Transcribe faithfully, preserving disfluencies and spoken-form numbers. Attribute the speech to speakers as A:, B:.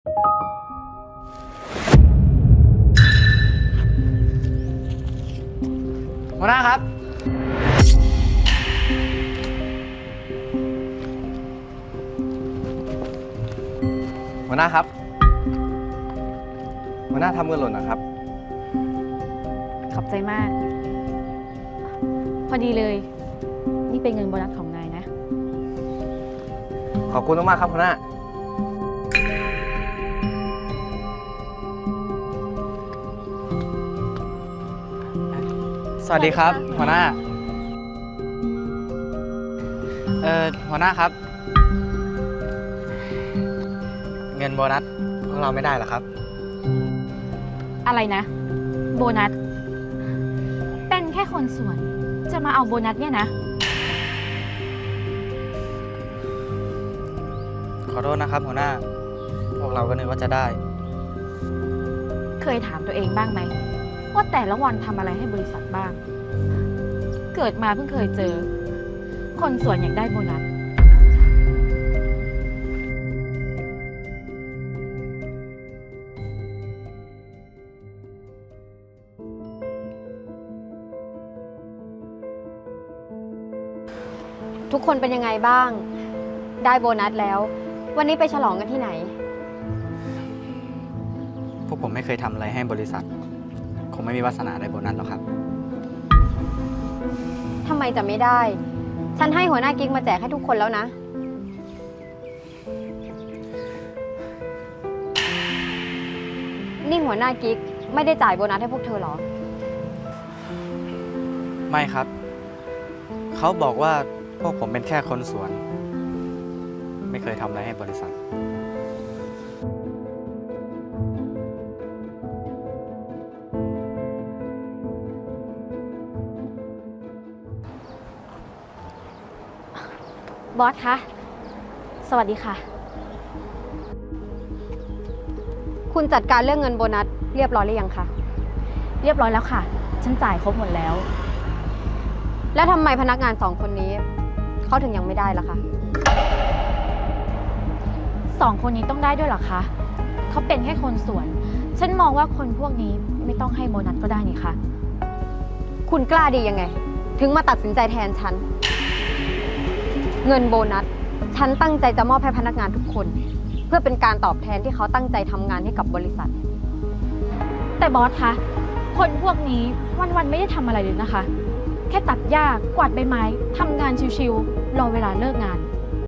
A: หัวหน้าครับหัวหน้าครับหัวหน้าทำเงินหล่นนะครับ
B: ขอบใจมาก พอดีเลย นี่เป็นเงินโบนัสของนายนะ
A: ขอบคุณมากๆครับหัวหน้าสวัสดีครับหัวหน้าเอ่อหัวหน้าครับเงินโบนัสของเราไม่ได้หรอครับ
B: อะไรนะ โบนัส เป็นแค่คนส่วน จะมาเอาโบนัสเนี่ยนะ
A: ขอโทษนะครับหัวหน้าพวกเราก็นึกว่าจะได้
B: เคยถามตัวเองบ้างไหมว่าแต่ละวันทำอะไรให้บริษัทบ้าง เกิดมาเพิ่งเคยเจอ คนส่วนอยากได้โบนัส
C: ทุกคนเป็นยังไงบ้าง ได้โบนัสแล้ว วันนี้ไปฉลองกันที่ไหน
A: พวกผมไม่เคยทำอะไรให้บริษัทคงไม่มีวาสนาได้โบนัสหรอกครับ
C: ทำไมจะไม่ได้ ฉันให้หัวหน้ากิ๊กมาแจกให้ทุกคนแล้วนะ นี่หัวหน้ากิ๊กไม่ได้จ่ายโบนัสให้พวกเธอหรอ
A: ไม่ครับ เขาบอกว่าพวกผมเป็นแค่คนสวน ไม่เคยทำอะไรให้บริษัท
B: บอสคะ สวัสดีค่ะ
C: คุณจัดการเรื่องเงินโบนัสเรียบร้อยหรือยังคะ
B: เรียบร้อยแล้วค่ะ ฉันจ่ายครบหมดแล้ว
C: แล้วทำไมพนักงานสองคนนี้เขาถึงยังไม่ได้ล่ะคะ
B: สองคนนี้ต้องได้ด้วยเหรอคะ เขาเป็นแค่คนส่วน ฉันมองว่าคนพวกนี้ไม่ต้องให้โบนัสก็ได้นี่คะ
C: คุณกล้าดียังไง ถึงมาตัดสินใจแทนฉัน เงินโบนัส ฉันตั้งใจจะมอบให้พนักงานทุกคน เพื่อเป็นการตอบแทนที่เขาตั้งใจทำงานให้กับบริษัท
B: แต่บอสคะ คนพวกนี้วันๆไม่ได้ทำอะไรเลยนะคะ แค่ตัดหญ้ากวาดใบไม้ทำงานชิวๆรอเวลาเลิกงาน